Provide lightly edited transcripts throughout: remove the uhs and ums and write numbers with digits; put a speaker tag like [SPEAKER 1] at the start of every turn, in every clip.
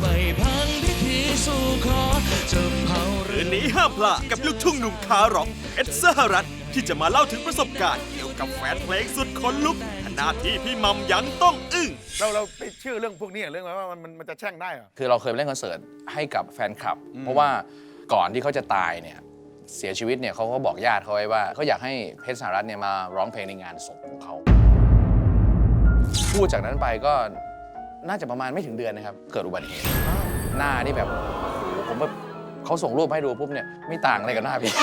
[SPEAKER 1] ไม่พังพิธีสู่ขอจะเผาคืนนี้ห้ามพลาดกับลูกทุ่งหนุ่มขาร็อกเอ็ดสหรัฐที่จะมาเล่าถึงประสบการณ์เกี่ยวกับแฟนเพลงสุดขนลุกขณะที่พี่มัมยังต้องอึ้ง
[SPEAKER 2] เราไปเชื่อเรื่องพวกนี้เรื่องว่ามันจะแช่งได้เหรอ
[SPEAKER 3] คือเราเคยไปเล่นคอนเสิร์ตให้กับแฟนคลับเพราะว่าก่อนที่เขาจะตายเนี่ยเสียชีวิตเนี่ยเขาก็บอกญาติเขาไว้ว่าเขาอยากให้เพชรสหรัฐเนี่ยมาร้องเพลงในงานศพของเขาพูดจากนั้นไปก็น่าจะประมาณไม่ถึงเดือนนะครับเกิดอุบัติเหตุหน้านี่แบบโอ้โหผมแบบเขาส่งรูปให้ดูปุ๊บเนี่ยไม่ต่างอะไรกับหน้าพี่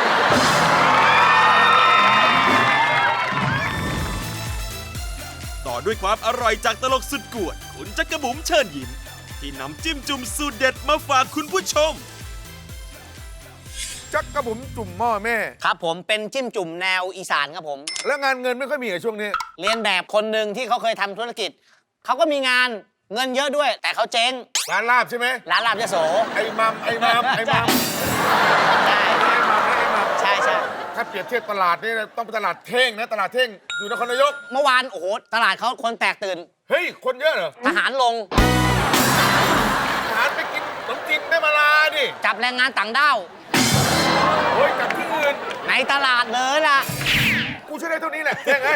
[SPEAKER 1] ต่อด้วยความอร่อยจากตลกสุดกวนคุณจักรบุ๋มเชิญยิ้มที่นำจิ้มจุ่มสูตรเด็ดมาฝากคุณผู้ชม
[SPEAKER 2] จักกระบุ๋มจุ่มหม้อแม่
[SPEAKER 4] ครับผมเป็นจิ้มจุ่มแนวอีสานครับผม
[SPEAKER 2] แล้วงานเงินไม่ค่อยมีในช่วงนี้
[SPEAKER 4] เรียนแบบคนหนึ่งที่เขาเคยทำธุรกิจเขาก็มีงานเงินเยอะด้วยแต่เขาเจ๊ง
[SPEAKER 2] ร้านลาบใช่ไหม
[SPEAKER 4] ร้านลาบยโส
[SPEAKER 2] ไอ้มัม
[SPEAKER 4] ใช่ใช่ใช่
[SPEAKER 2] ถ้าเปรียบเทียบตลาดนี่ต้องเป็นตลาดเท่งนะตลาดเท่งอยู่นครนายก
[SPEAKER 4] เมื่อวานโอ้โหตลาดเขาคนแตกตื่น
[SPEAKER 2] เฮ้ยคนเยอะเหรอ
[SPEAKER 4] ทหารลง
[SPEAKER 2] ทหารไปกินขนมจีนแม่มาลาดิ
[SPEAKER 4] จับแรงงานต่างด้าว
[SPEAKER 2] โอ้ยจับที่อื่น
[SPEAKER 4] ในตลาดเลยล่ะ
[SPEAKER 2] กูช่วยได้เท่านี้แหละเท่งไง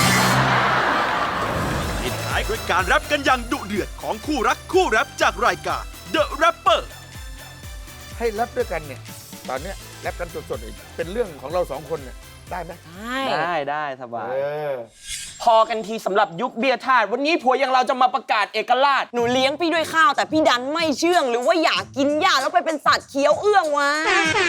[SPEAKER 1] ปิดท้ายด้วยการแรปกันอย่างดุเดือดของคู่รักคู่แรปจากรายการ The Rapper
[SPEAKER 2] ให้แรปด้วยกันเนี่ยตอนเนี้ยแรปกันสดๆเป็นเรื่องของเราสองคนเนี่ยได้ไหม
[SPEAKER 5] ได้สบาย
[SPEAKER 6] พอกันทีสำหรับยุคเบียร์ทาสวันนี้ผัวอย่างเราจะมาประกาศเอกราช
[SPEAKER 7] หนูเลี้ยงพี่ด้วยข้าวแต่พี่ดันไม่เชื่องหรือว่าอยากกินหญ้าแล้วไปเป็นสัตว์เคี้ยวเอื้องวะ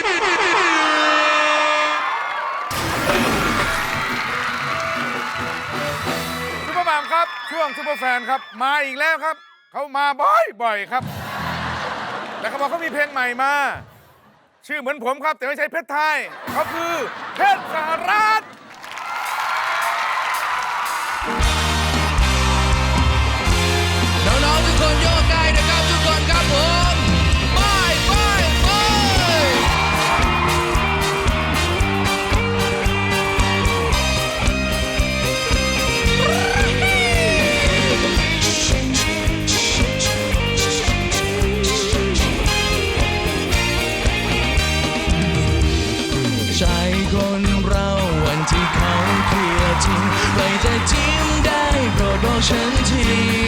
[SPEAKER 2] ซุปเปอร์มัมครับช่วงซุปเปอร์แฟนครับมาอีกแล้วครับเขามาบ่อยครับแต่เขาบอกเขามีเพลงใหม่มาชื่อเหมือนผมครับแต่ไม่ใช่เพชรไทยเขาคือเพชรสหรัฐ
[SPEAKER 1] น้องๆทุกคนโยกได้นะครับทุกคนครับผมไปใจคนเราวันที่เขาเคลียร์ทิ้งไว้แต่จิ้มได้โปรดบอกฉันที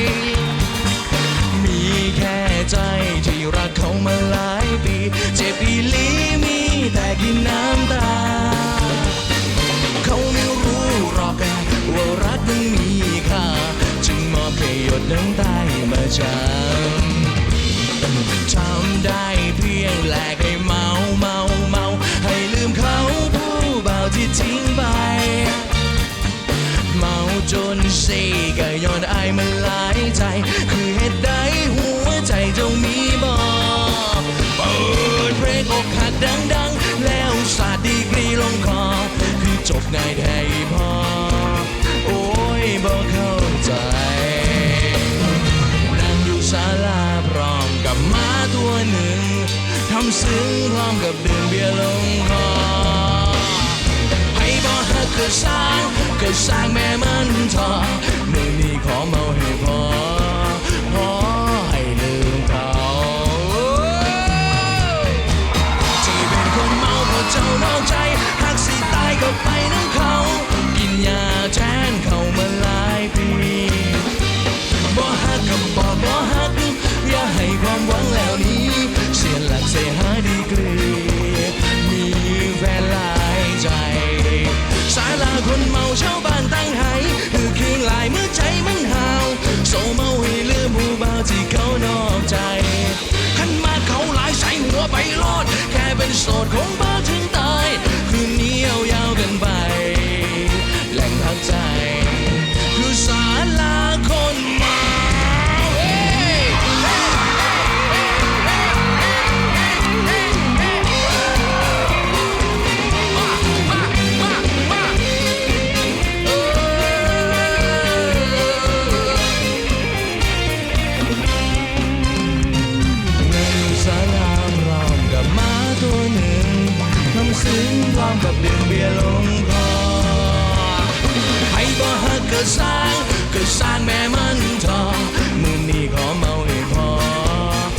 [SPEAKER 1] มีแค่ใจที่รักเขามาหลายปีเจ็บปีลีมีแต่กินน้ำตาเขาไม่รู้หรอกว่ารักมันมีค่าจึงมอบให้หยดน้ำตามาจำทำได้เพียงแลกให้เมาให้ลืมเขาผู้เบาที่ทิ้งไปเมาจนเซ่ก็ย้อนอายมันหลายใจคือเหตุใดหัวใจเจ้ามีบอกเปิดเพลงอกหักดังๆแล้วสาดดีกรีลงคอคือจบง่ายแท้พอโอ้ยบอกเข้าใจนั่งอยู่ศาลาพร้อมกับม้าตัวหนึ่งทำซึ้งพร้อมกับดื่มเบียร์ลงคอให้บอกหักก็สร้างแม่มันทอมือนี้ขอเมาให้พอให้ลืมเขาที่เป็นคนเมาเพราะเจ้านอกใจหักสิตายก็ไปน้ำเขากินยาแทนเขามาหลายปีบ่หักกับบอกบ่หักอย่าให้ความหวังแล้วนี้เสียหลักเสียหาดีกรีมีแฟนหลายใจศาลาคนเมาชาวบ้านตั้งหายคือเคียงลายเมื่อใจมันหาวโซเมาให้ลืมผู้บ่าวที่เขานอกใจขันมาเขาหลายใส่หัวไปโลดแค่เป็นโสดคงบ่ถึงตายคืนนี้ยาวกันไปแหล่งพักใจคือศาลาคนเมาซึ้งพร้อมกับดื่มเบียร์ลงคอให้บ่ฮักก็สร้างแม่มันทองมือนี้ขอเมาให้พอ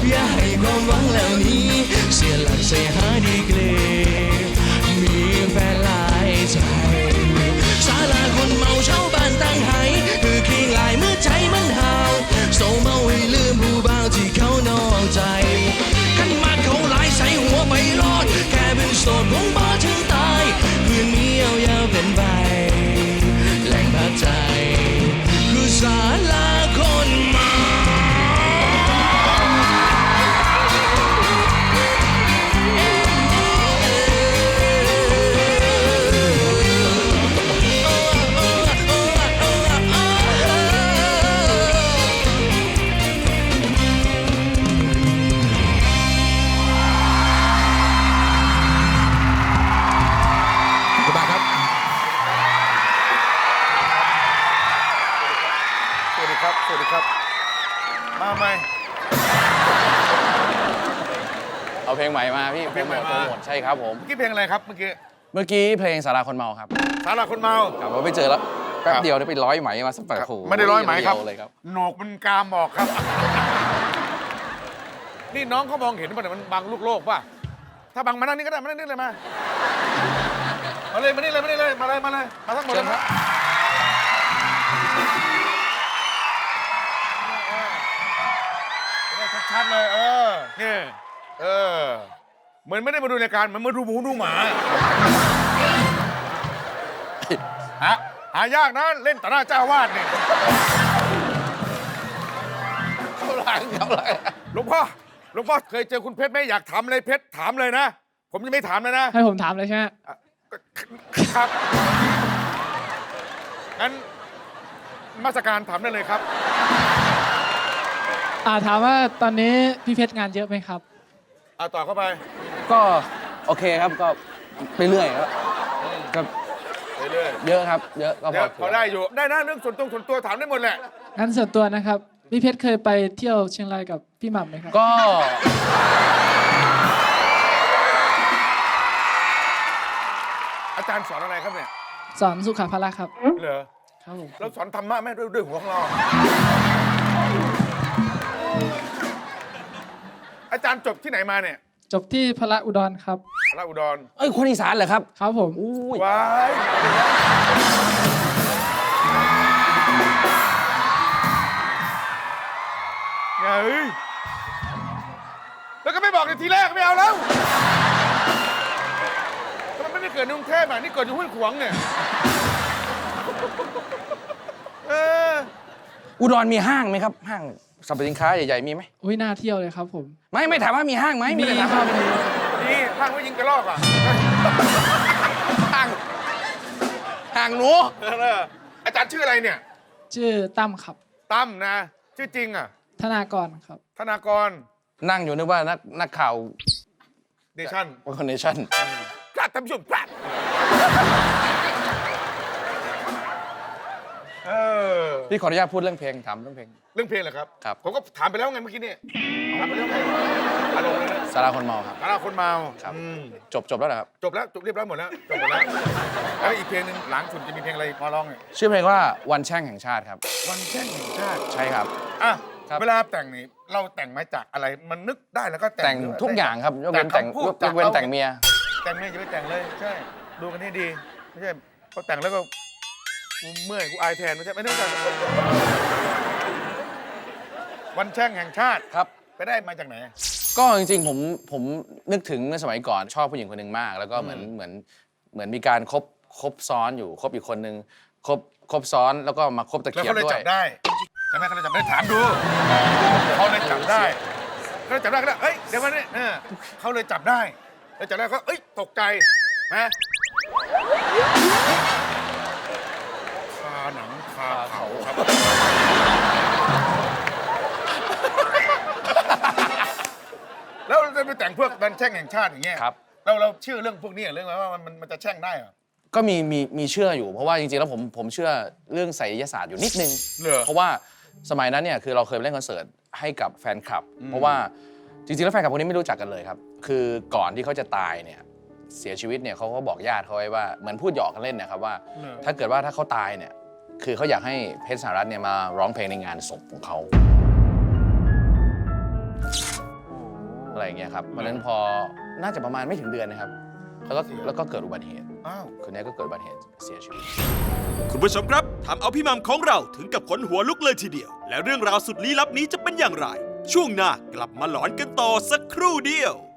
[SPEAKER 1] อย่าให้ความหวังเหล่านี้เสียหลักใส่หาดีเกรมีแฟนหลายใจศาลาคนเมาชาวบ้านตั้งไห้คือเคียงหลายเมื่อใจมันหาวโศเมาให้ลืมผู้บ่าวที่เขานอกใจขันมาเขาหลายใส่หัวไปรอดแค่เป็นโสดคงบ่ถึงตายเพื่อนมียาวๆเป็นใบแหล่งพักใจคือศาลาคนเมา
[SPEAKER 2] ขอบคุณมากครับ สวัสดีครับ สวัสดีครับ มาไหม
[SPEAKER 3] เอาเพลงใหม่มาพี่
[SPEAKER 2] เพลงใหม่มา
[SPEAKER 3] โปรโมทใช่ครับผม
[SPEAKER 2] เมื่อกี้เพลงอะไรครับเมื่อกี้
[SPEAKER 3] เมื่อกี้เพลงสาราคนเมาครับ
[SPEAKER 2] สาราคนเมา
[SPEAKER 3] ครับว่าไปเจอแล้วแป๊บเดียวได้ไปร้อยไหมมาสักแบบโอ้โห
[SPEAKER 2] ไม่ได้ร้อยไหมครับ
[SPEAKER 3] เดียวเลยครับ
[SPEAKER 2] โหนกมันกามบอกครับ นี่น้องเขามองเห็นป่ะเนี่ยมันบังลูกโลกป่ะ ถ้าบังมานั่งนี่ก็ได้มานั่งนี่เลยมา มาเลยมานี่เลยมานี่เลยมาเลยมาเลยมาทั้งหมดเลยครับได้ชัดๆเลยนี่เหมือนไม่ได้มาดูรายการเหมือนมาดูหมูดูหมาหายากนะเล่นต่อหน้าเจ้าวาดเนี่ย
[SPEAKER 3] เขาหลัง
[SPEAKER 2] หลวงพ่อเคยเจอคุณเพชรไหมอยากถามอะไรเพชรถามเลยนะ ผมยังไม่ถามเลยนะ
[SPEAKER 8] ให้ผมถามเลยใช่ไหม
[SPEAKER 2] ครับงั้นมาสการถามได้เลยครับ
[SPEAKER 8] ถามว่าตอนนี้พี่เพชรงานเยอะไหมครับ
[SPEAKER 2] ต่อเข้าไป
[SPEAKER 3] ก็โอเคครับก็ไปเรื่อยครับก็
[SPEAKER 2] เรื่อย
[SPEAKER 3] เยอะครับ เยอะก็
[SPEAKER 2] ๆเดี๋ยวพอได้อยู่ได้นะเรื่องส่วนตัวถามได้หมดแหละ
[SPEAKER 8] งั้นส่วนตัวนะครับ พี่เพชรเคยไปเที่ยวเชียงรายกับพี่หม่ำไหมครับ
[SPEAKER 3] ก็
[SPEAKER 2] อาจารย์สอนอะไรครับเนี่ย
[SPEAKER 8] สอนสุขภาระครับ
[SPEAKER 2] เหรอ
[SPEAKER 8] ครับผม
[SPEAKER 2] แล้วสอนธรรมะแม่ด้วยหัวของเรา อาจารย์จบที่ไหนมาเนี่ย
[SPEAKER 8] จบที่พระอุดรครับ
[SPEAKER 2] ราชอุดร
[SPEAKER 3] เอ้ยคนอีสานเหรอครับ
[SPEAKER 8] ครับผม
[SPEAKER 3] อุ้ย
[SPEAKER 2] ว้ายไงแล้วก็ไม่บอกในทีแรกไม่เอาแล้วทำไมไม่ได้เกิดในกรุงเทพอ่ะนี่เกิดอยู่ห้วยขวางเนี่ย
[SPEAKER 3] อุดรมีห้างไหมครับห้างสรรพสินค้าใหญ่ๆมีไหม
[SPEAKER 8] อุ้ยน่าเที่ยวเลยครับผม
[SPEAKER 3] ไม่ถามว่ามีห้างไหม
[SPEAKER 8] มี
[SPEAKER 3] ไได้ถาม
[SPEAKER 8] ครั
[SPEAKER 3] ว่า
[SPEAKER 8] บ
[SPEAKER 2] นี่ห้างไว้ยิงกระรอกอ่ะ
[SPEAKER 3] ห้างหนู
[SPEAKER 2] อาจารย์ชื่ออะไรเนี่ย
[SPEAKER 8] ชื่อตั้มครับ
[SPEAKER 2] ตั้มนะ ชื่อจริงอ่ะ
[SPEAKER 8] ธนากรครับ
[SPEAKER 2] ธนากร
[SPEAKER 3] นั่งอยู่นึกว่านักข่าว
[SPEAKER 2] เดชั่น
[SPEAKER 3] คอนเนชั่น
[SPEAKER 2] กล้าทำชุ่มกล้า
[SPEAKER 3] พี่ขออนุญาตพูดเรื่องเพลงถามเรื่องเพลง
[SPEAKER 2] เรื่องเพลงเหรอครับ
[SPEAKER 3] ครับ
[SPEAKER 2] ผมก็ถามไปแล้วไงเมื่อกี้เนี่ยถามไปแล้วไงอารมณ์เลยนะ
[SPEAKER 3] สาราคนเมาครับ
[SPEAKER 2] สาราคนเมา
[SPEAKER 3] ครับ
[SPEAKER 2] อืม
[SPEAKER 3] จบแล้วเหรอครับ
[SPEAKER 2] จบแล้วจบเรียบร้อยหมดแล้วจบหมดแล้วแล้วอีกเพลงหนึ่งหลังสุดจะมีเพลงอะไรมาร้องเนี่ย
[SPEAKER 3] ชื่อเพลงว่าวันแช่งแห่งชาติครับ
[SPEAKER 2] วันแช่งแห่งชาติ
[SPEAKER 3] ใช่ครับ
[SPEAKER 2] อ่ะ
[SPEAKER 3] ครับ
[SPEAKER 2] เวลาแต่งนี่เราแต่งมาจากอะไรมันนึกได้แล้วก็แต่ง
[SPEAKER 3] แต่งทุกอย่างครับยกเว้นแต่ง
[SPEAKER 2] คำพูด
[SPEAKER 3] ยกเว้นแต่งเมีย
[SPEAKER 2] แต่งเมียอย่าไปแต่งเลยใช่ดูกันให้ดีไม่ใช่พอแต่งแล้วก็กูเมื่อยกูอายแทนไม่ใช่แต่งวันแช่งแห่งชาติ
[SPEAKER 3] ครับ
[SPEAKER 2] ไปได้มาจากไหน
[SPEAKER 3] ก็จริงๆผมนึกถึงเมื่อสมัยก่อนชอบผู้หญิงคนหนึ่งมาก แล้วก็เหมือนมีการคบซ้อนอยู่คบอีกคนนึงคบซ้อนแล้วก็มาคบตะ
[SPEAKER 2] แล้ว
[SPEAKER 3] เกียบ
[SPEAKER 2] เขาเลย
[SPEAKER 3] ด้ว
[SPEAKER 2] จั
[SPEAKER 3] ย
[SPEAKER 2] บได้ใช่ไหมเขาเลยจับได้ถามดูเขาเลยจับได้เขาเลยจับได้ก็ได้เอ้ยเดี๋ยวมาเนี่ยเขาเลยจับได้แล้วจับได้ก็เอ้ยตกใจนะคาหนังคาเขาครับแล้วเราไปแต่งพวกดันแช่งแห่งชาติอย่างเงี้ย
[SPEAKER 3] ครับ
[SPEAKER 2] เราเชื่อเรื่องพวกนี้เรื่องอะไรว่ามันจะแช่งได้เหรอ
[SPEAKER 3] ก็มีเชื่ออยู่เพราะว่าจริงๆแล้วผมเชื่อเรื่องไสยศาสตร์อยู่นิดนึง
[SPEAKER 2] เหรอ
[SPEAKER 3] เพราะว่าสมัยนั้นเนี่ยคือเราเคยไปเล่นคอนเสิร์ตให้กับแฟนคลับ เพราะว่าจริงๆแล้วแฟนคลับคนนี้ไม่รู้จักกันเลยครับ คือก่อนที่เขาจะตายเนี่ยเสียชีวิตเนี่ยเขาก็บอกญาติเขาไว้ว่าเหมือนพูดหยอกกันเล่นนะครับว่า ถ้าเกิดว่าถ้าเขาตายเนี่ยคือเขาอยากให้เพชรสหรัฐเนี่ยมาร้องเพลงในงานศพของเขาอะไรอย่างเงี้ยครับเพราะฉะนั้นพอน่าจะประมาณไม่ถึงเดือนนะครับแล้วก็เกิดอุบัติเหตุ
[SPEAKER 2] อ้าว
[SPEAKER 3] คนนี้ก็เกิดอุบัติเหตุเสียชีวิต
[SPEAKER 9] คุณผู้ชมครับทำเอาพี่หมัมของเราถึงกับขนหัวลุกเลยทีเดียว และเรื่องราวสุดลี้ลับนี้จะเป็นอย่างไร ช่วงหน้ากลับมาหลอนกันต่อสักครู่เดียว